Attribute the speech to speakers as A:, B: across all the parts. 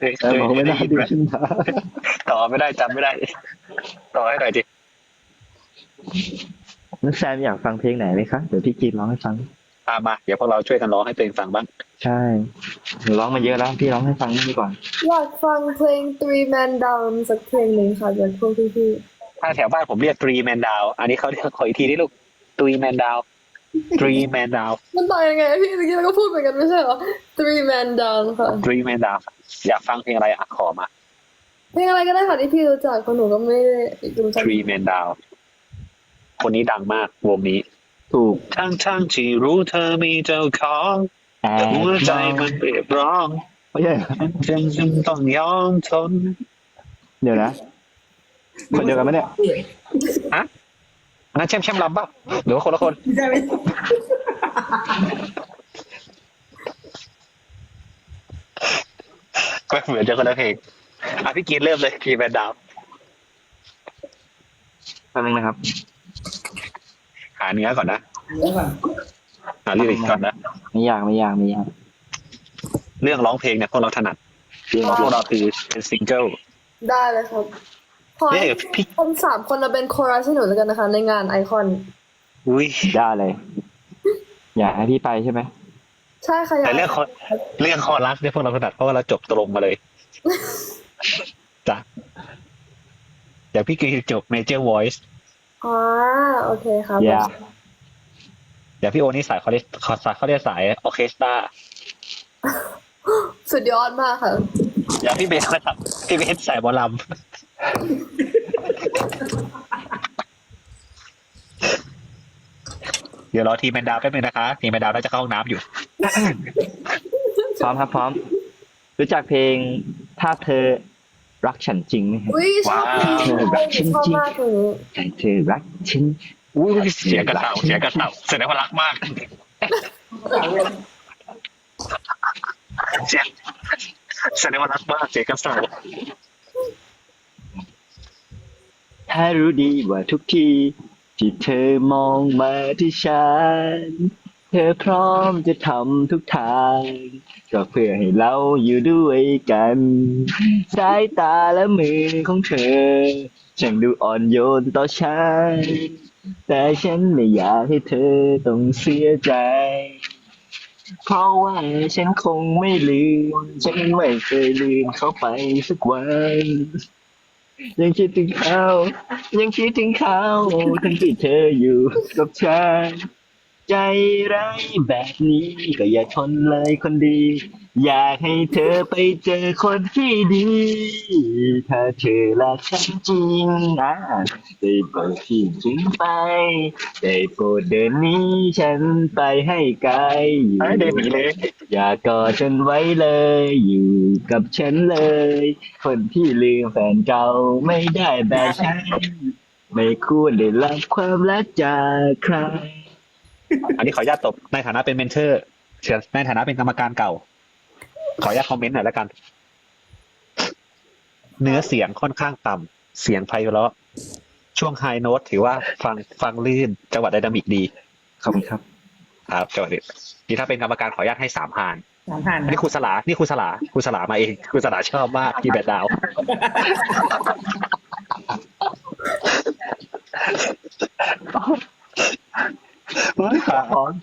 A: แต่บอกไม่ได้
B: ยินไหม
A: ดึงขึ้นมา
B: ต่อไม่ได้จำไม่ได้ต่อให้หน่อยดิ
A: นักแซมอยากฟังเพลงไหนไหมคะเดี๋ยวพี่กีร้องให้ฟัง
B: มาเดี๋ยวพวกเราช่วยกันร้องให้ตัวเองฟังบ้าง
A: ใช่หนูร้องมาเยอะแล้วพี่ร้องให้ฟังนี่ก่อน
C: อยากฟังเพลง Three Man Down สักเพลงหนึ่งค่ะจากพวกพี่
B: ถ้าแถวบ้านผมเรียก three man down อันนี้เขาเรียกขออีกทีนี่ลูก three man down three man down
C: ๆมันต่างยังไงพี่เมื่อกี้เราก็พูดเหมือนกันไม่ใช่เหรอ Three Man Down ค่ะ
B: three man down อยากฟังเพลงอะไรขอมา
C: เพลงอะไรก็ได้ค่ะที่พี่รู้จักเพราะหนูก็ไม่ได้รู้จัก
B: three man down คนนี้ดังมากวงนี้
A: ถูก
B: ทั้งที่รู้เธอมีเจ้าของ
A: แอ
B: แต่หัวใจ
A: บ
B: มันเปรียบร้อง
A: ไม่ใช่
B: ฉันต้องยอมทน
A: เดี๋ยวนะคนเดียวกันไหมเนี่ย
B: ฮะอันนั้นแช่มลำป่ะหรือว่าคนละคน
D: ใช่ไหม
B: ก็เหมือนจะคนละเพลงพี่กีนเริ่มเลยทีแมนดาว
A: แป๊บนึงนะครับ
B: หาเนื้อก่อนนะ
D: เดี๋ยวก่อน
B: หาลิริกก่อนนะ
A: ไม่ยาก
B: เรื่องร้องเพลงเนี่ยพวกเราถนัดพวกเราคือเป็นซิงเกิล
C: ได้เลยครับขอ
B: เนี่
C: ให้
B: ยพี่
C: คน3 คนเราเป็นโครัสให้หนูแล้วกันนะคะ ในงานไอคอน
B: อุ้ย
A: ได้เลย อยากให้พี่ไปใช่ไหม
C: ใช่ค่ะอยา
B: แต่
C: ก
B: เรื่องคอรัสเนี่ยพวกเราถนัดเพราะว่าเราจบตรงมาเลยจ้ะอย่างพี่กีนจบ Major Voice
C: อ๋อโอเคครับ
A: อย่า
B: อย่างพี่โอนี่สายเขาเรียกสายออเคสตรา
C: สุดยอดมากค่ะ
B: อย่างพี่เบสนะครับพี่เบสสายหมอลำเดี๋ยวรอทีมแมนดาวแป๊บนึงนะคะทีมแมนดาวน่าจะเข้าห้องน้ำอยู่
A: พร้อมครับพร้อม รู้จักเพลงถ้าเธอรักฉันจริงไหมครับ
C: อุ้ยชอบเพลงนี้ชอบมากเพลงนี้
A: ใจเธอรักฉัน
B: อุ้ยเสียงกระเต่าแสดงว่ารักมากเสียงแสดงว่ารักมากเสียงกระเต่า
A: ถ้ารู้ดีว่าทุกทีที่เธอมองมาที่ฉันเธอพร้อมจะทำทุกทางก็เพื่อให้เราอยู่ด้วยกันสายตาและมือของเธอช่างดูอ่อนโยนต่อฉันแต่ฉันไม่อยากให้เธอต้องเสียใจเพราะว่าฉันคงไม่ลืมฉันไม่เคยลืมเขาไปสักวันยังคิดถึงเขาทั้งที่เธออยู่กับฉันใจร้ายแบบนี้ก็อย่าทนเลยคนดี อยากให้เธอไปเจอคนที่ดี ถ้าเธอรักฉันจริงได้โปรดทิ้งฉันไปได้โปรดเดินหนี้ฉันไปให้ไกลอยู่
B: เดินหนีเลย
A: อย่ากอดฉันไว้เลยอยู่กับฉันเลย คนที่ลืมแฟนเก่าไม่ได้แบบฉันไม่ควรได้รับความรักจากใคร
B: อันนี้ขออนุญาตตบในฐานะเป็นเมนเทอร์ในฐานะเป็นกรรมการเก่า ขออนุญาตคอมเมนต์หน่อยแล้วกัน เนื้อเสียงค่อนข้างต่ำเสียงไพเราะช่วงไฮโน้ตถือว่าฟังลื่นจังหวะไดนามิกดี
A: ขอบคุณครับ
B: ครับจังหวะนี้นี่ถ้าเป็นกรรมการขออนุญาตให้3 ผ่าน
D: 3 ผ่าน
B: นี่ครูสลามาเองครูสลาชอบมากที่แบดดาวไม่ค่ะ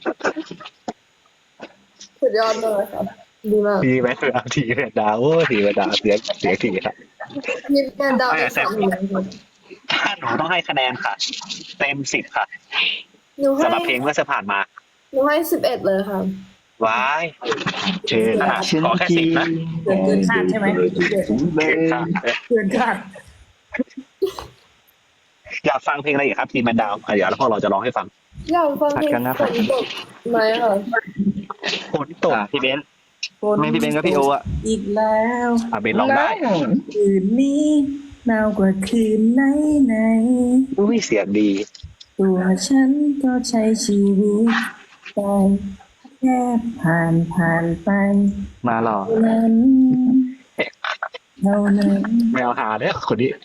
C: สุดยอดมากเลยค่ะดีมาก
B: ทีแบดดาวโอ้ทีแบดดาวเสียงทีครับ
C: มีแมนดาวน์
B: แซมถ้าหนูต้องให้คะแนนค่ะ เต็ม10ค่ะ
C: หนูให้
B: สำหรับเพลงเมื่อผ่านมา
C: หนูให้11เลยค่ะ
B: ว้าย
A: เธอรักฉัน
B: ขอแค่
A: จริง
B: 10นะ
D: เกินคาดใช่ไหม
B: เก่งค่ะ
D: เกินคาด
B: อยากฟังเพลงอะไรอีกครับทีมแมนดาวเดี๋ยวแล้วพวกเราจะร้องให้ฟัง
C: อยากฟังเพลงฝนตกไหมค่ะ
B: ฝนตก
A: พี่เบนซ์ไม่พี่เบนซ์ก็พี่โออ่ะ
D: อีกแล้ว
B: เบนร้องได้
D: คืนนี้หนาวกว่าคืนไหน
B: อุ้ยเสียงดี
D: ตัวฉันก็ใช้ชีวิตไปแค่ผ่านไป
A: มาหรอ
D: เท่านั้นเท่านั้น
B: ไม่เอาหาเนี่ยคนนี้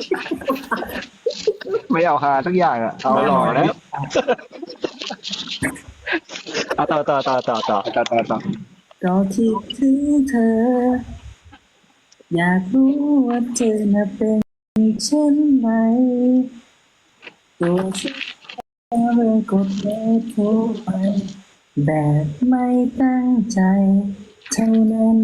A: ไม่เอาหาทุกอย่างอ่ะเอาหล่อแล้ว
B: เอาต่อ
A: ต่อ
D: ก็คิดถึงเธออยากรู้ว่าเธอน่ะเป็นเช่นไรตัวฉันเลยกดเบอร์โทรไปแบบไม่ตั้งใจเท่านั้น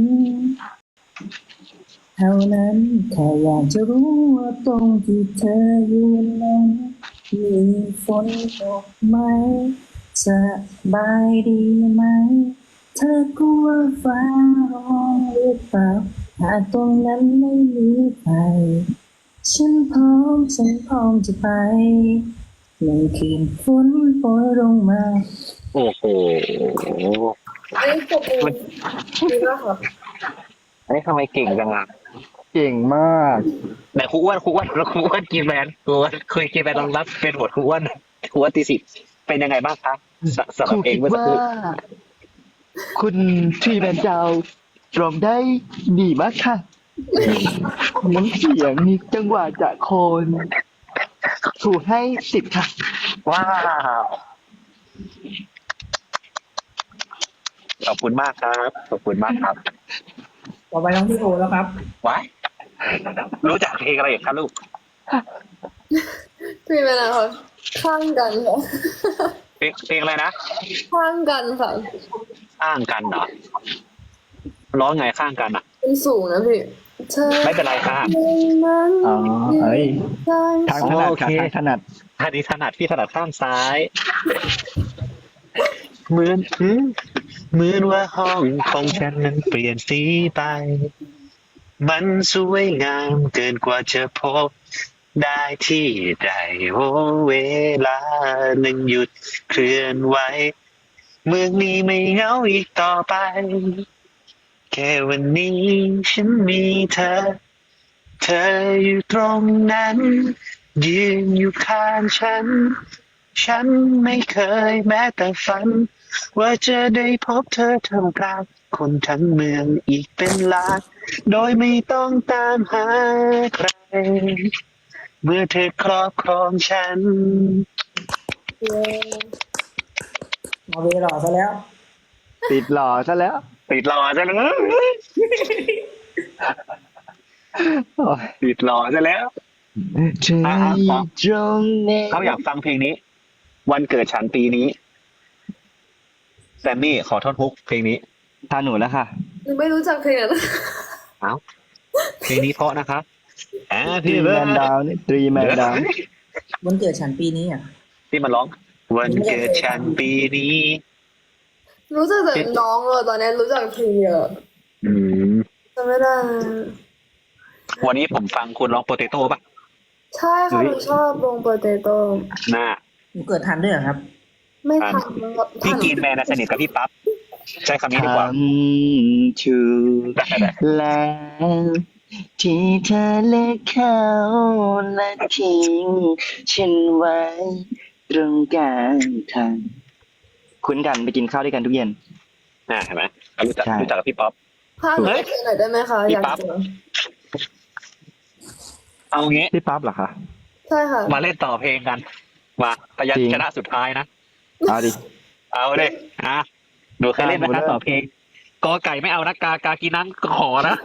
D: แค่อยากจะรู้ว่าตรงที่เธอยืนนั้นมีฝนตกไหมสบายดีไหมเธอกลัวฟ้าร้องหรือเปล่าหากตรงนั้นไม่มีใครฉันพร้อมจะไปในคืนฝนโปรยลงมา
B: โอ้โห
C: อันนี้ปกมือดีมากค่ะ
B: อันนี้ทำไมเก่งจังอ่ะ
A: เก่งมาก
B: แต่ครูอ้วนแล้วครูอ้วนกินแบรนด์ครูอ้วนเคยกินแบรนด์รองรับเป็นบทครูอ้วนตีสิบเป็นยังไงบ้างคะสำห
A: ครู
B: รับเอง
A: คิด
B: เมื่อสัก
A: ว่า
B: ครู่
A: คุณทรีแมนดาวร้องได้ดีมากค่ะน้ำเสียงมีจังหวะจะโคนครูให้10ค่ะ
B: ว้าวขอบคุณมากครับขอบคุณมากครับ
D: ต่อไปน้องพี่โอแล้วครับ
B: ว้ายรู้จักเพลงอะไรอีกครับลูก
C: พี่เป็นอะไรคะข้างกันค่ะ
B: เพลงอะไรนะ
C: ข้างกันค่ะ
B: ข้างกันเหรอร้องไงข้างกันอ่ะ
C: เป็นสูงนะพี่เธอ
B: ไม่เป็นไรค่ะ
C: นั้น
A: อ๋อเอ้ย
C: ข้าง
A: ทางถนัด
B: โอเค
A: ค่ะทางถนัด
B: อันนี้ถนัดพี่ถนัดข้างซ้ายเหมือนว่าห้องของฉันนั้นเปลี่ยนสีไป มันสวยงามเกินกว่าจะพบได้ที่ใดโอ้เวลาหนึ่งหยุดเคลื่อนไหวเมืองนี้ไม่เหงาอีกต่อไป แค่วันนี้ฉันมีเธอ เธออยู่ตรงนั้น ยืนอยู่ข้างฉัน ฉันไม่เคยแม้แต่ฝัน ว่าจะได้พบเธอท่ามกลางคนทั้งเมืองอีกเป็นล้านโดยไม่ต้องตามหาใคร เมื่อเธอครอบครองฉัน
D: เอาเวหล่อซะแล้ว
A: ติดหล่อซะแล้ว
B: ติดหล่อซะแล้ว
A: โอ้ย
B: ติดหล่อซะแล้ว
A: เธออยู่ตรงนี้
B: เขาอยากฟังเพลงนี้ วันเกิดฉันปีนี้แซมมี่ขอท่อนฮุกเพลงนี้
A: ทานหนูแล้วค่ะ
C: หนูไม่รู้จักเพลงนั้น
B: เอ้าเพลงนี้เพราะนะครับ
A: ทรี
B: Happy
A: แมนดาวนี่ทรีแมนดาว
D: วันเกิดฉันปีนี้อ่ะ
B: ที่มันร้อง วันเกิดฉันปีนี้
C: รู้จักแต่น้องเลยตอนนี้รู้จักเพลงเยอะ
B: อืม
C: จำไม่ได้
B: วันนี้ผมฟังคุณร้องโปเตโต้ป่ะ
C: ใช่ค่ะหนูชอบวงโปเตโต้
B: น่า
D: หนูเกิดทันด้วยเหรอครับ
C: ไม่ทัน
B: พี่กีนแมนนะสนิทกับพี่ปั๊บใช้คำนี้ดีกว่า
A: ทำถูกแล้วที่เธอเลิกเขาและทิ้งฉันไว้ตรงกลางทางคุ้นกันไปกินข้าวด้วยกันทุกเย็น
B: เห็นไหมรู้จัก
A: ใช่
B: กับพี่ป๊อป
C: พาหนูไปเพลงหน่อยได้ไหมคะ
B: พี่
C: อยาก
B: ปั๊บ
C: เจอ
B: เอางี้
A: พี่ปั๊บเหรอคะ
C: ใช่ค่ะ
B: มาเล่นต่อเพลงกัน มาพยัญชนะสุดท้ายนะ
A: เอาดิ
B: เอาเลยหนูเคยเล่นไหม
A: ได้หมด
B: นะ
A: เลย
B: ต่อเพลงกอไก่ไม่เอานะกากินังก็ขอนะ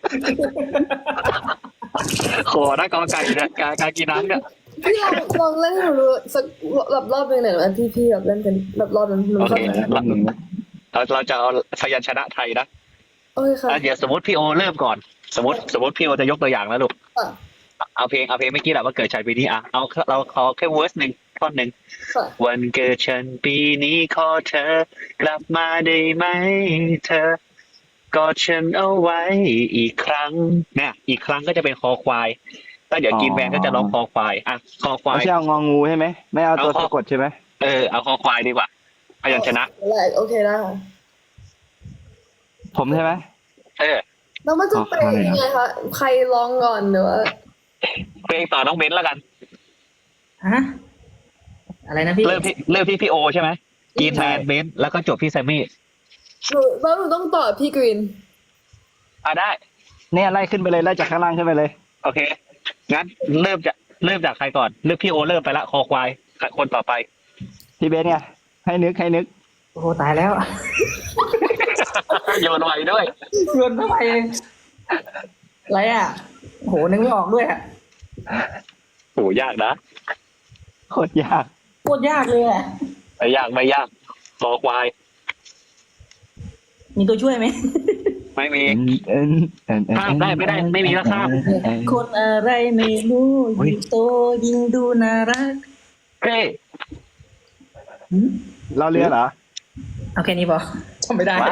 B: ขอนะกอไก่เนี่ยกากินังเนี่ย
C: พี่ลองเล่นให้หนูดูสักแบบรอบหนึ่งหน่อยนะที่พี่แบบเล่นเป็นแบบรอบนั้นหนู
B: โอ
C: ชอ
B: เค
C: บ
A: รอบหนึ่งนะ
B: เราจะเอาพยัญชนะไทยนะ
C: โอเคค่ะ
B: เดี๋ยวสมมติพี่โอเริ่มก่อน สมมติพี่โอจะยกตัวอย่างแล้วลูก
C: ค่ะ
B: เอาเพลงเมื่อกี้แหละว่าเกิดฉันปีนี้เอาเราขอแค่เวอร์สหนึ่งท่อนหนึ่ง
C: ค่ะ
B: วันเกิดฉันปีนี้ขอเธอกลับมาได้ไหมเธอกอดฉันเอาไว้อีกครั้งเนี่ยอีกครั้งก็จะเป็นคอควายแล้วเดี๋ยวกินแบนก็จะร้องคอควายคอควา
A: ไม่
B: ย
A: ใช่เอางองูใช่ไหมไม่เอาตัว
B: เอา
A: สะกดใช่ไหม
B: เอาคอควายดีกว่าพยัญชนะ
C: แรกโอเคได้ค่ะ
A: ผมใช่ไหม
C: แล้วมันจะเป็นยังไงคะใครร้องก่อนหรือว่า
B: เพลงต่อน้องเบนซ์แล้วกัน
D: ฮะ อะไรนะพี่
B: เริ่มที่พี่โอใช่ไหมกินแบนเบนซ์แล้วก็จบที่แซมมี่
C: หนูต้องตอบพี่กรีน
B: ได้
A: เนี่ยไล่ขึ้นไปเลยไล่จากข้างล่างขึ้นไปเลย
B: โอเคงั้นเริ่มจากใครก่อนเริ่มพี่โอเริ่มไปละคอควายคนต่อไป
A: พี่เบสไงให้นึก
D: โอ้โหตายแล้ว
B: โยนไวด้วย
D: โยนเข้าไปอะไรอ่ะโหนึกไม่ออกด้วยอ่ะ
B: โหยากนะ
A: โคตรยาก
D: โคตรยากเลยอ่ะ
B: ไม่ยากไม่ยากคอควาย
D: มีตัวช่วยไหม
B: ไม่มี
A: ข้ามได้ไม่ได้ไม่มีแล้วข้าม
D: คนอะไรไม่รู้ยิ่งโตยิ่งดูน่ารัก
B: เฮ้
A: เราเรือเหรอ
D: เอาแค่นี้พอจำไม่ได้
B: ไว้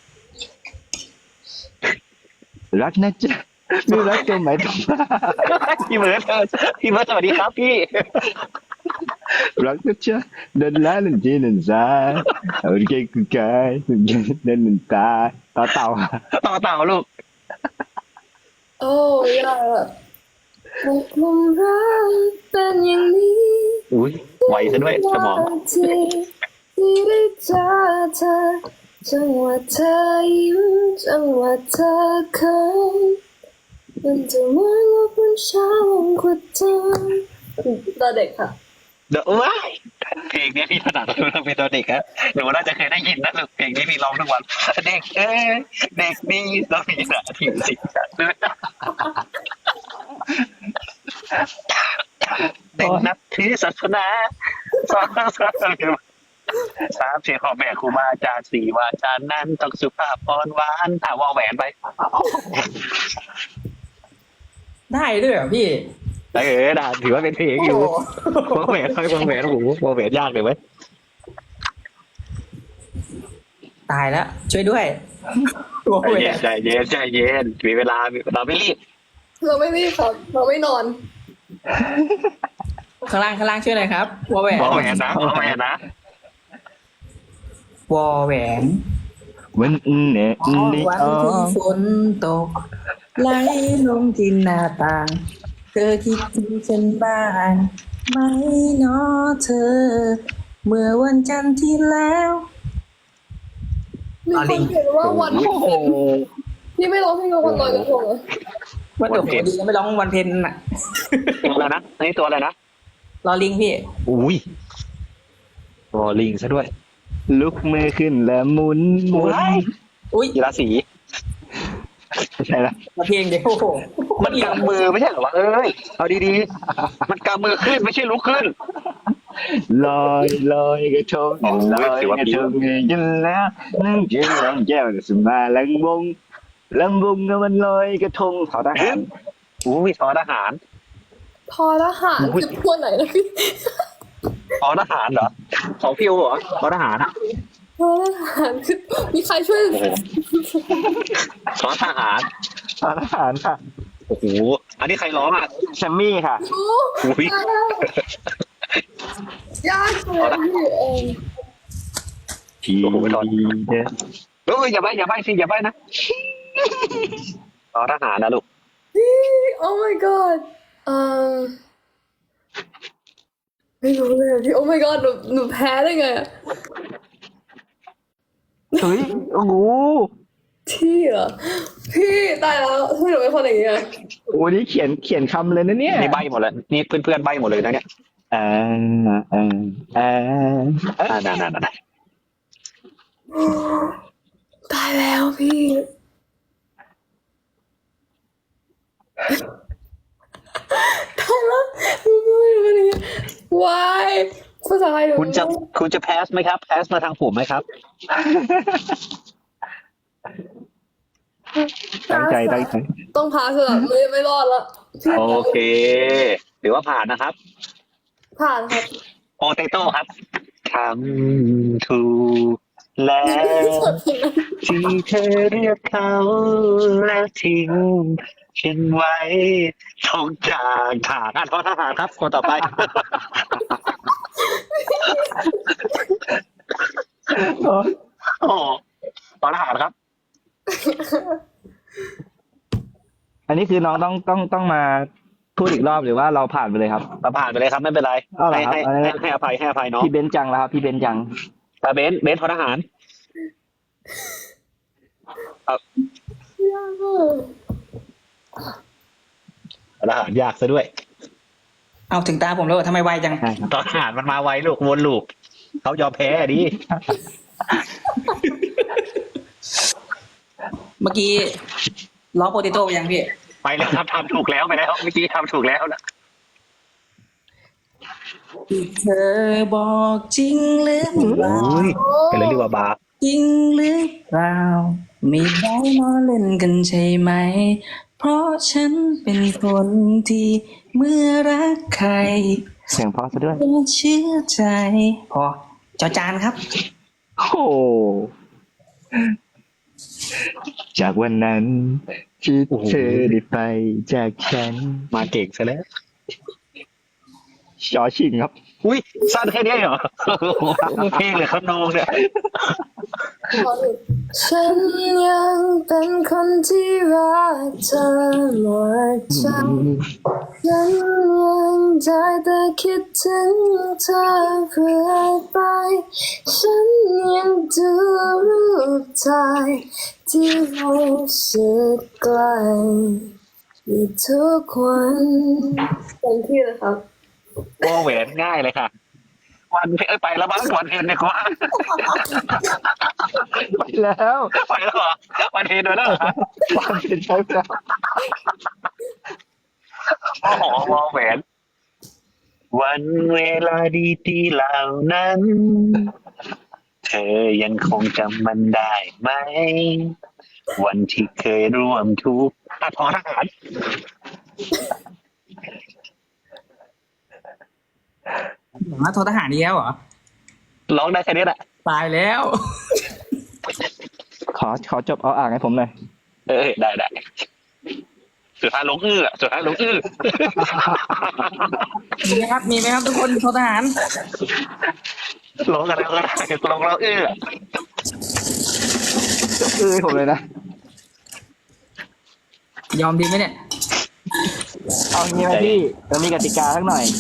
A: รักนะจ๊ะไม่รักก็ไม่ต้องมา
B: พี่เบิร์ดพี่เบิร์ดสวัสดีครับพี่
A: รักนะจ๊ะเดินแล้วเดินจีเดินซ้ายเอาเก่งกูกายเดินเดินตาต่อเต่า
B: ต่อเต่าลูก
C: โอ้ยอะตกหลุมรักเป็นอย่างนี้
B: อุ้ยไวซะด้วยสมอง
C: ที่ได้เจอเธอจังหวะเธอยิ้มจังหวะเธอเขินมันจะเหมือนว่าเป็นเช้าวันขวัญเธอตอนเด็กค่ะ
B: เดี๋ยวว้ายเพลงนี้พี่ถนัดเราเป็นตอนเด็กฮะหนูน่าจะเคยได้ยินนะลูกเพลงนี้พี่ร้องทุกวันเด็กเด็กดีต้องมีหน้าที่สิเด็กนับถือศาสนาสอนสามสี่ขอแม่ครูบาอาจารย์สี่วาจานั้นต้องสุภาพอ่อนหวานวอแหวนไป
D: ได้ด้วยเหรอพี่
B: ได้ถือว่าเป็นเพลงอยู่วอแหวนวอแหวนโอ้โหวอแหวนยากเลยไหม
D: ตายแล้ว ช่วยด้วยโอ้ย
B: ใจเย็นใจเย็นมีเวลาเราไม่รีบ
C: เราไม่รีบครับเราไม่นอน
D: ข้างล่างช่วยหน่อยครับวอแหวน
B: วอแหวนนะวอแหวนนะ
D: วอแหวน
A: วันเนี่ย
D: วัน
A: นี่
D: ที่ฝนตกไหลลงที่หน้าต่าง เธอคิดถึงฉันบ้างไหมเนาะเธอ เมื่อวันจันทร์ที่แล้ว
C: มีคนเขียนว่าวัน
B: โอ้โห
C: นี่ไม่ร้องเพลงกับวันลอยกระทงเหรอ
D: วันเกิดผมดีก็ไม่ร้องวันเพ็ญน่ะ
B: ตัวอะไรนะนี่ตัวอะไรนะ
D: รอลิงพี่
B: อุ้ยตัวลิงซะด้วย
A: ลุกมือขึ้นแล้วหมุนหมุน
D: อุ้ย
B: กีฬาสี
A: ใช่ละ
D: มาเพลงเดียวโอ้โห
B: มันกำมือไม่ใช่เหรอวะเอ้ยเอาดีๆมันกำมือขึ้นไม่ใช่ลุกขึ้น
A: ลอยลอยกระทง
B: โอ้ย
A: ลอย
B: ถือว่าก
A: ระ
B: ผิ
A: ท
B: ว
A: งยินแล้วนั่งเจียงลำแก้วสมาลำวงก็มันลอยกระทงขอทหาร
B: อุ้ยทอทหาร
C: พอทหารคือตัวไหนนะพี่
B: ทอทหารเหรอของพิวเหรอทอทหารอะ
C: พอทหารคือมีใครช่วย
B: โอ้โหทอทหาร
A: ขอทหารค่ะ
B: โอ้โหอันนี้ใครร้องอ่ะ
A: แชมมี่ค่ะ
C: โอ้
B: อุ้ย
C: ตายแล้วยากเลยพี่
A: ที
B: โอ้โหทอ
A: เด็ด
B: เอ้ยอย่าไปสิอย่าไปนะทอทหารนะลูก
C: โอ้ my god ไม่รู้เลยอะพี่ โอ้ my god หนูแพ้ได้ไงอะ
A: เฮ้ยโอ้โห
C: ที่เหรอพี่ตายแล้วทำไมหนูเป็นคนอย่างเงี้ย
A: โอ้นี่เขียนคำเลยนะเนี่ย
B: นี่ใบหมดเลยนี่เพื่อนๆใบหมดเลยนะเนี่ย
A: อ่าอ่าอ่า
B: นั่น
C: ตายแล้วพี่ตายแล้วหนูไม่รู้อะไรเงี้ยวายภาษาไทยหนู
B: คุณจะแพสไหมครับแพสมาทางผมไหมครับ
A: ตั้งใจ
C: ต้องพาสลับไม่รอดละพี่
B: โอเคหรือว่าผ่านนะครับ
C: ผ่านครับ
B: โปเตโต้ครับทำถูกแล้วที่เธอเรียกเขาแล้วทิ้งฉันไว้ตรงกลางทางทอทหารครับคนต่อไป โอ้ทอทหารครับ
A: อันนี้คือน้องต้องมาพูดอีกรอบหรือว่าเราผ่านไปเลยครับ
B: เราผ่านไปเลยครับไม่เป็นไร
A: เอาเหรอครับ
B: ให้อภัยเนาะ
A: พี่เบนซ์จังแล้วครับพี่เบนซ์จัง
B: แต่เบนซ์ทอทหาร
C: ยากมาก
B: ทอทหารยากซะด้วย
D: เอาถึงตาผมแล้วเหรอทำไมไวจัง
A: ใช่ครับ
B: ทอทหารมันมาไวลูกวนลูกเขายอมแพ้ดิ
D: เมื่อกี้ล้อโปเตโต้ไปยังพี่
B: ไปแล้วครับทำถูกแล้วไปแล้วเมื่อกี้ทำถูกแล้วนะ
D: ที่เธอบอกจริงหรือเปล่า
B: อุ้ยเป็นเลยเรียกว่าบาร์
D: จริงหรือเปล่าไม่ได้มาเล่นกันใช่ไหมเพราะฉันเป็นคนที่เมื่อรักใคร
A: เสียงเพอซะด้วย
D: ก็เชื่อใจพอจอจานครับ
A: โอ้โหจากวันนั้นที่เธอได้ไปจากฉัน
B: มาเก่งซะแล้ว
A: ชอชิงครับ
B: อุ้ยสั้นแค่นี้เหรอเพลงเลยครับน้องเนี่ย
C: ฉันยังเป็นคนที่รักเธอหมดใจฉันยังใจแต่คิดถึงเธอเพื่อไปฉันยังดูรูปถ่ายที่เราสุดไกลอยู่ทุกวันเต็มที่เลยครับ
B: วอแหวนง่ายเลยค่ะ วันเพไปแล้วบ้างวันเพนเนี่ยก็
A: ไปแล้ว
B: ไปแล้วเหรอวันเพนด้วยแล้วเหรอ
A: ความเป็นใช้แล้ว
B: โอ้โหวอแหวน วันเวลาดีๆเหล่านั้น เธอยังคงจำมันได้ไหม วันที่เคยร่วมทุกข์ทหาร
D: มาโทรทหารอีกแล้วเหรอ
B: ร้องได้แค่นี้แหละ
D: ตายแล้ว
A: ขอจบเอาอ่างให้ผมหน่อย
B: ได้สุดท้ายลงอื้อสุดท้ายลงอื้อ
D: มีไหมครับมีไหมครับทุกคนโทรทหาร
B: ร้องกันแล้วก็ได้ลงแล้วอื้อ
A: ให้ผมเลยนะ
D: ยอมดีไหมเนี่ย
A: เอางี้ไหมพี่เรามีกติกาสักหน่อย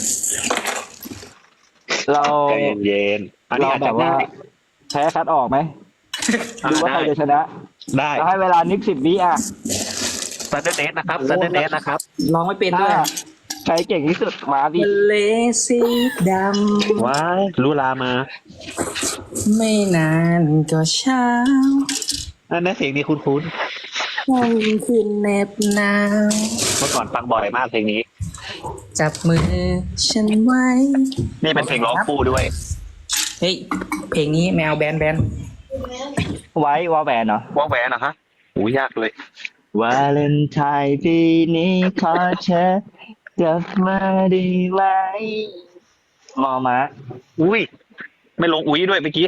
A: เรา
B: ใจเย็นๆอันนี้
A: เรา
B: อาจ
A: แบ
B: จะ
A: บว่า
B: ง่าย
A: แพ้คัดออกไหมดูว่าใครจะชนะ
B: ได้
A: เราให้เวลานิก10 วิอ่ะ
B: ซันเดอร์เดสนะครับซันเดอร์เดสนะครับ
D: ลองไม่เป็นด้วย
A: ใครเก่งที่สุดมาดิ
D: ทะเลสีด
B: ว้ายรู้ลามา
D: ำไม่นานก็เช้า
B: อันนั้นเสียงนี้คุ้น
D: ค่ำคืนเหน็บหนาว
B: ๆเมื่อก่อนฟังบ่อยมากเพลงนี้
D: จับมือฉันไว้
B: นี่เป็นเพลงร้องคู่ด้วย
D: เฮ้ยเพลงนี้แมวแบน
A: ไว้วอลแหวนเหรอ
B: ว่าแหวนเหรอฮะโอ้ยากเลยว
A: าเลนไทน์ปีนี้ขอเธอกลับมาได้ไหมมอม้า
B: อุ้ยไม่ลงอุ้ยด้วยเมื่อกี้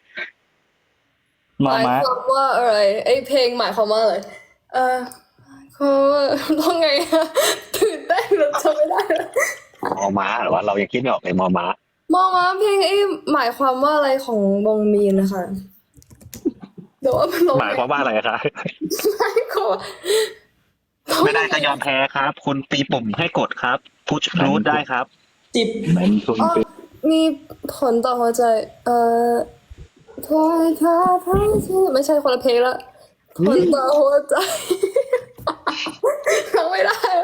A: มอ
C: หมาย
A: ม้า
C: ความว่าอะไรไอเพลงหมายความว่าอะไรความว่าต้องไงอะตื่นเต้นเราจำไม่ได้เลย
B: มอม้าหรือว่าเรายังคิดไม่ออกเลยมอม้าม
C: องว่าเพลงไอหมายความว่าอะไรของวงมีนนะคะเดี๋ยวว่ามันลง
B: หมายความว่าอะไรคะ
C: หมายความว่า
B: ไม่ได้ก็ยอมแพ้ครับ คุณตีปุ่มให้กดครับพุชรูทได้ครับ
D: ๆจิบ
A: มันคง
C: อ๋อ
A: เป็น
C: มีผลต่อหัวใจพายพาพายที่ไม่ใช่คนละเพลงละผลต่อหัวใจ ร้องไม่ได้อะ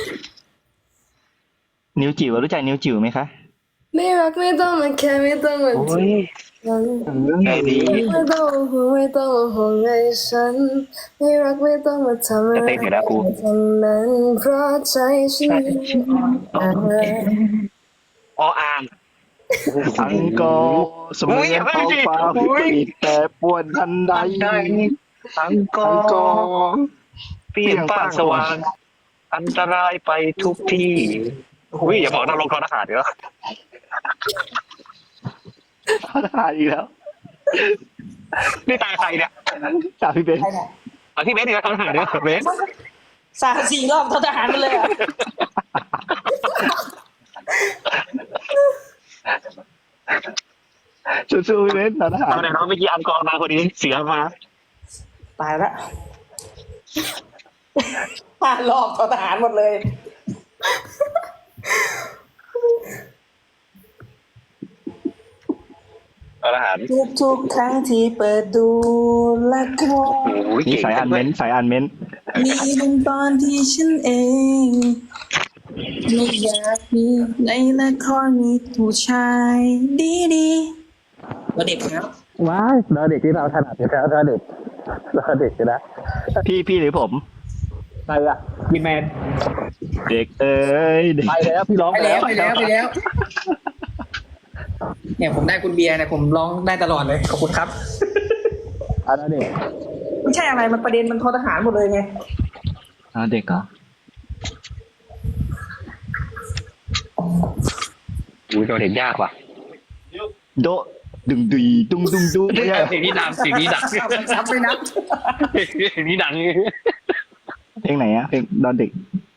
A: นิวจิ๋วรู้จักนิวจิ๋วไหมคะ
C: ไม่รักไม่ต้องมาแค่ไม่ต้องมา
B: โอ้
C: จี
B: ย
C: บกัน
B: ไงดี
C: ไม่ต้องมาห่วงไม่ต้องมาห่วงไอ้ฉันไม่รักไม่ต้องมาทำอะไรทั้งนั้นเพราะใจฉันอ่อนแอ
B: ออ่าง
A: อังกอร์เสมือนท้องฟ้าวิปริตแต่ป่วนทันใด
B: อังกอ
A: อังกอ
B: ร์
A: ร์
B: เปลี่ยนป้างสว่าง อันตรายไปทุกที่อุ้ยอย่าบอกนะลงทอทหารเดี๋ยว
A: ทหารอีกแล้ว
B: นี่ตายใครเนี่ย
A: ตามพี่เบน
B: เอาที่เบสดีกว่าทหารเดี๋ยวเบส
D: 3-4 รอบโทรทหารไปเลยอ่ะ
A: สู้ๆพี่เบนทหาร
B: เอาเดี๋ยวน้องเมื่อกี้อังกอร์มาคนนี้เสียมา
D: ตายละ5 รอบโทรทหารหมดเลย
B: เอาทหาร
D: ทุกครั้งที่เปิดดูละคร
B: โอ้ย
A: นี่
B: เก่ง
A: สายอ่านเม้นต์สายอ่านเม้นต์
D: มีบางตอนที่ฉันเองไม่อยากมีในละครมีผู้ชายดีๆเราเด็กครับ
A: ว้ายเราเด็กที่เราถนัดอยู่แล้วเราเด็กนะพี่หรือผม
B: ใครอะพี่แมน
A: เด็กเอ้ยเด็ก
B: ไปแล้วพี่ร้อง
D: ไปแล้วไปแล้วไปแล้ว เนี่ยผมได้คุณเบียร์เนี่ยผมร้องได้ตลอดเลยขอบคุณครับ
A: อ่ะแล้วเด็ก
D: ไม่ใช่อะไรมันประเด็นมันทอทหารหมดเลยไง
A: อ่ะเด็กเหรอ
B: อุ้ยเราเด็กยากว่ะ
A: โดะดึงดุยดุงดุงดุงไม่ใช่
B: เพลงนี้ดังเพลงนี้ดัง
D: ซับไปนับ
B: เพลงนี้ดัง
A: เพลงไหนอะเพลงดอนเด็ก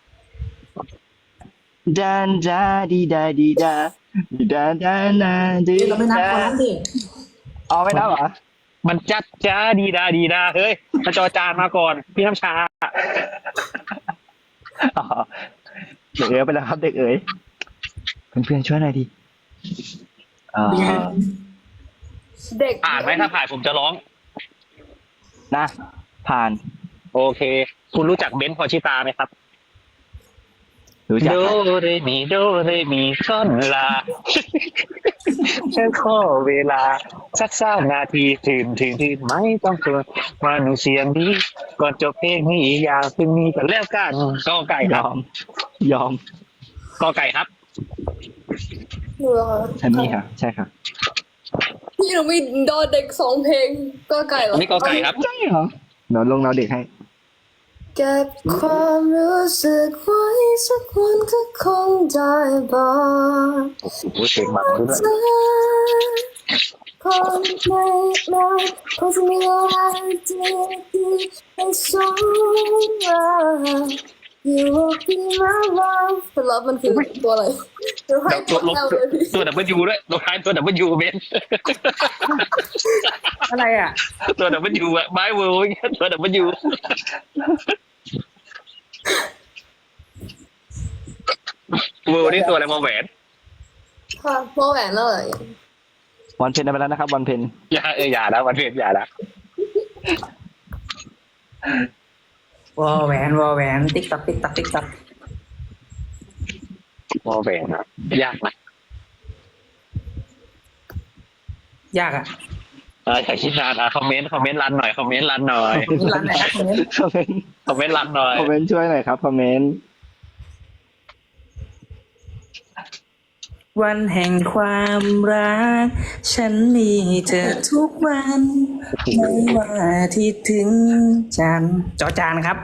A: ดันดาดีดาดีดาดีดาดานาดี
D: เราไม่นับคนนั้นดิ
A: เอาไม่นับเหรอ
B: มันจัดจ้าดีดาดีดาเฮ้ยมาจอจานมาก่อน พี่น้ำชา
A: อ๋อเด็กเอ๋ยไปแล้วครับเด็กเอ๋ยเพื่อนๆช่วยหน่อยดิอ่า
C: เด็ก
B: ผ่านไหมถ้าผ่านผมจะร้อง
A: นะผ่าน
B: โอเค คุณรู้จักเบนซ์พอชิตาไหมครับ
A: รู้จัก
B: โดเรมีโดเรมีซอนลาฉันขอเวลาสัก3 นาทีถึงไม่ต้องเกินมาหนูเสียงดีก่อนจบเพลงนี้อยากเป็นมีกันแล้วกันกอไก่ค
A: ย
B: รับ
A: อม ยอม
B: กอไก่ครับ
C: หนูเหรอคะ
A: ฉันนี่ค่ะ ใช่ค่ะ
C: พี่หนูมีดอเด็ก2 เพลงก็ไก่เหรอ
B: อันนี้กอไก่ครับ
A: ใช่เหรอเดี๋ยวลงเราเด็กให้
C: เก็บความรู้สึกไว้สักวันก็คงได้บอก
B: โอ้โหเพลงมันด้วย
C: เธอคงไม่นานคงจะมีอะไรดีๆให้สมหวัง You will be my love แต่ love มันคือตัวอะไรเดี๋ยวให้
B: ตัวลบ
C: แอลเลยพี่
B: ตัวดับเบิลยูด้วยตัวท้ายตัวดับเบิลยูเบน
D: อะไรอ่ะ
B: ตัวดับเบิลยูอะไม้เวิร์ดตัวดับเบิลยูเวิร์ดนี่ตัวอะไรมาแหวน
C: ค่ะโมแหวนแล้วเหรอ
A: วันเพนไปแล้วนะครับ วันเพน
B: อย่านะวันเพ็ญอย่านะ
D: วอแหวนวอแหวนติ๊กตักติ๊กตักติ๊กตัก
B: มาแหวนนะยากนะ
D: ยากอ่ะ
B: อย่าคิดนานคอมเมนต์รันหน่อยคอมเมนต์รันหน่อย
D: ร้านไหนครับคนนี้
A: คอมเมนต์
B: คอมเมนต์รันหน่อย
A: คอมเมนต์ช่วยหน่อยครับคอมเมนต์
D: วันแห่งความรัก ฉันมีเธอทุกวันไม่ว่าอาที่ถึงจันทร์จอจานครับ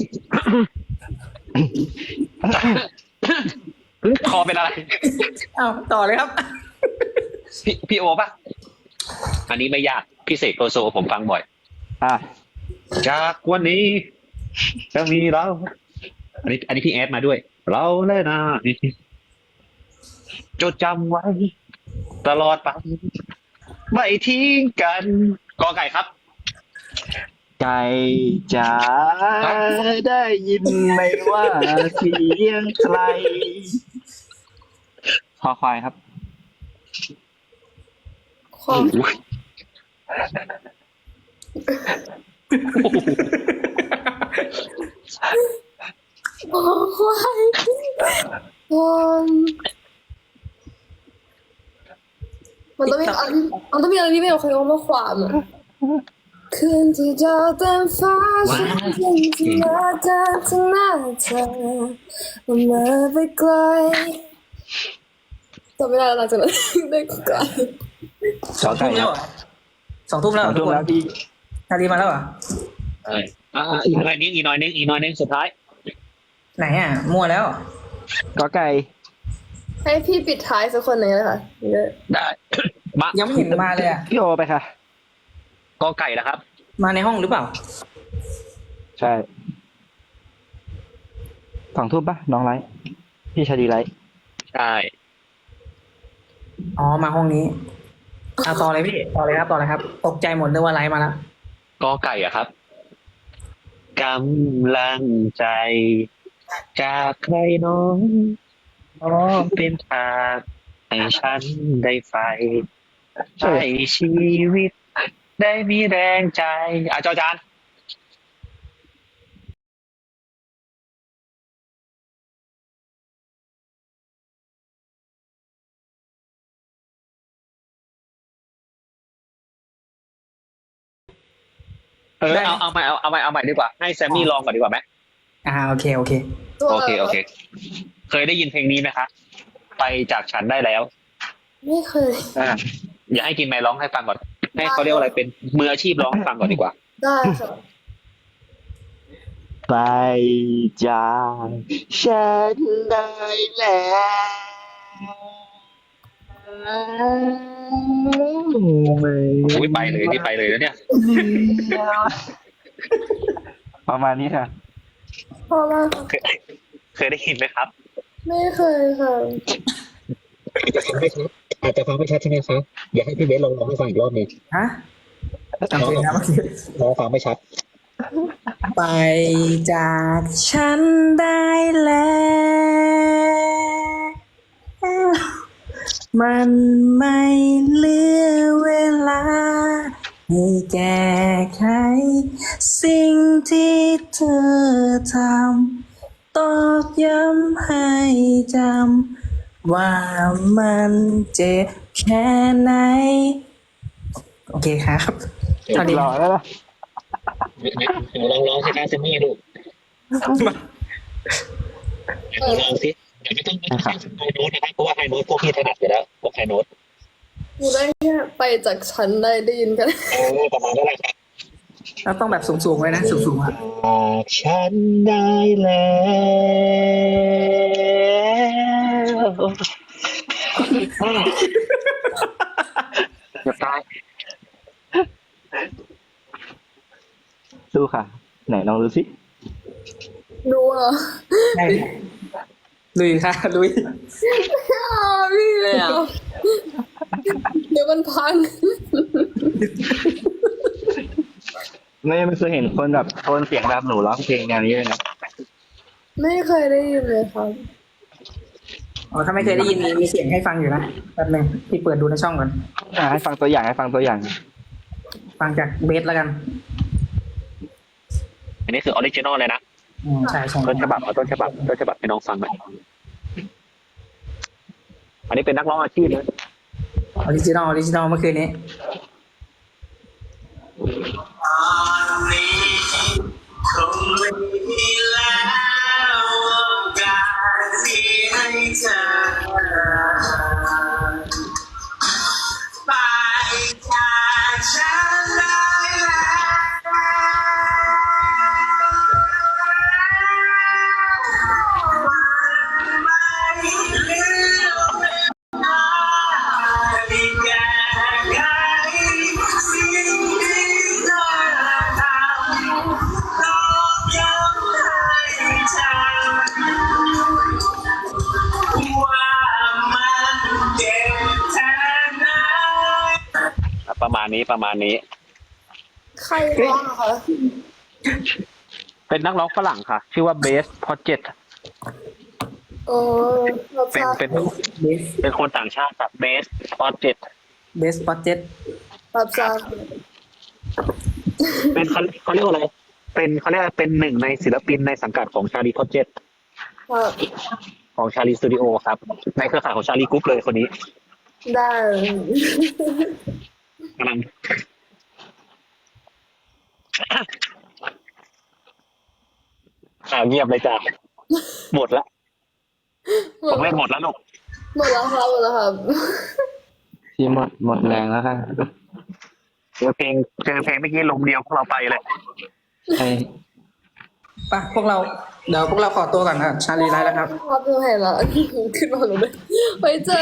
B: คอเป็นอะไร
D: เอาต่อเลยครับ
B: พี่โอป่ะ อันนี้ไม่ยากพี่เสกโลโซผมฟังบ่อย
A: อ่ะ
B: จากวันนี้จะมีเรา อันนี้พี่แอดมาด้วย เราและนายจดจำไว้ ตลอดไปไม่ทิ้งกันกอไก่ครับ
A: ไก่จ๋าได้ยินไหมว่าเสียงใครคอควายครับ
C: ความโอ้ควายมันต้องมีอะไรมันต้องมีอะไรที่ไม่โอเคว่าความอะคืนที่ดาวเต็มฟ้าฉันยังจะมาเดินข้างหน้าเธอมาไปไกลจำไม่ได้แล้วหลังจากนั้นได้ไกล
A: ขอไก่
D: 2 ทุ่ม
A: ค
D: แล้
A: รั
D: ว
A: บ
D: เหรอ2 ทุ่มแล้ว
A: ขอ
D: ทุ
A: ทุ่
D: ก
A: ม
D: คน
A: แล้วพี่
D: นาดีมาแล้วเหรอ
B: อีกหน่อยนึงสุดท้าย
D: ไหนอ่ะ มั่วแล้ว
A: กอไก่
C: ให้พี่ปิดท้ายสักคนหนึ่งเลยค่ะเยอะ
B: ได้
D: ยังไม่เห็นมาเลยอ่ะ
A: พี่โอไปค่ะ
B: กอไก่นะครับ
D: มาในห้องหรือเปล่า
A: ใช่2 ทุ่มปะน้องไลท์พี่ชาดีไลท์
B: ใช่
D: อ๋อ มาห้องนี้เอาต่อเลยพี่ ต่อเลยครับ ต่อเลยครับ ตกใจหมดนึกว่าไลฟ์มาแล้ว
B: กอไก่อะครับกำลังใจ จากใครน้องน้องเป็นทางให้ฉันได้ไฟให้ชีวิต ได้มีแรงใจจอจาน
D: ได้
B: เอาใหม่ดีกว่า ให้แซมมี่ลองก่อนดีกว่าไหม
D: โอเคโอเค
C: ตัว
B: โอเคโอเค เคยได้ยินเพลงนี้ไหมคะไปจากฉันได้แล้ว
C: ไม่เคย
B: อย่าให้กินไมค์ร้องให้ฟังก่อนให้เขาเรียกว่าอะไรเป็นมืออาชีพร้องให้ฟังก่อนดีกว่า
C: ได้ค่ะ
A: ไปจากฉันได้แล้วไม่
B: อุ้ยไปเลยนี่ไปเลยแล้วเนี่ย
A: ประมาณนี้ค่ะ
C: พอแล้วค่ะ
B: เคยได้ยินไหมครับ
C: ไม่เคยค่ะ
B: อาจจะฟังไม่ชัดใช่ไหมครับอยากให้พี่เบสลองให้ฟังอีกรอบหนึ่ง
D: ฮะจำเป็นนะเมื่อกี้
B: น้องฟังไม่ชัด
D: ไปจากฉันได้แล้ว มันไม่เหลือเวลาให้แก้ไขสิ่งที่เธอทำตอกย้ำให้จำว่ามันเจ็บแค่ไหน โอเคครับเท่านี้
A: รอแล้วล่ะ
B: ลองสิคะเซมี่ดูลองสิเดี๋ยวไม่ต้องไฮโน้ตนะครับเพราะว่าไฮโน้ตพวกพี่ถนัดอยู่แล้วพวกไฮโน้ต
C: อยู่ได้แค่ไปจากฉันได้ยินกัน
B: ประมาณนั้นแหละครับ
D: เราต้องแบบสูงๆไว้นะสูงๆอ่ะ
B: ฉันได้แล้วอย่าตาย
A: สู้ค่ะ ไหนลองดูสิ
C: ดูเหรอ
D: ได้ลุยค่ะลุย
C: พี่เลยอ่ะเดี๋ยวมันพัง
A: ไม่เคยเห็นคนแบบโทนเสียงแบบหนูร้องเพลงแนวนี้เลยนะ
C: ไม่เคยได้ยินเลยครับ
D: อ๋อถ้าไม่เคยได้ยินมีเสียงให้ฟังอยู่นะแป๊บนึงพี่เปิดดูในช่องก่อน
A: ให้ฟังตัวอย่างให้ฟังตัวอย่าง
D: ฟังจากเบสแล้วกัน
B: อันนี้คือออริจินอลเลยนะ
D: ใช่ใช่
B: ต้นฉบับเอาต้นฉบับให้น้องฟังหน่อยอันนี้เป็นนักร้องอาชีพนะ
D: ออริจินอลเมื่อคืนนี้
E: คงไม่มีแล้วโอกาสที่ให้เธอไปจากฉันได้แล้วไม่เหลือเวลาที่แก้ไขสิ่งที่เธอทำ ต้องย้ำให้จำว่ามันเจ็บแค่ไหน
B: ประมาณนี้
C: ใครร้องอะคะ
B: เป็นนักร้องฝรั่งค่ะ ชื่อว่าเบสพอเจ็ต
C: อ๋อเรา
B: เป็น
C: ทราบ
B: เป็นคนต่างชาติแบบเบสพอเจ็ต
D: เบสปอเจ็ต
C: รับทราบ
B: เป็นเขาเรียกว่าอะไรเป็นเขาเรียกว่าเป็นหนึ่งในศิลปินในสังกัดของชาลีพอเจ็ต
C: ครับ
B: ของชาลีสตูดิโอครับในเครือข่ายของชาลีกรุ๊ปเลยคนนี้
C: ได้
B: กำลังเงียบเลยจ้ะหมดละผมเล่นหมดแล้วลูก
C: หมดแล้วครับ
A: ที่หมดแรงแล้วค่ะ
B: เจอเพลงเมื่อกี้ลมเดียวพวกเราไปเลย
A: ใช่
D: ปะพวกเราเดี๋ยวพวกเราขอตัวก่อนนะชาลีไลฟ์แล้วครับ
C: ครับดูเห็นแล้วขึ้นมาหนูเลยไว้เจอ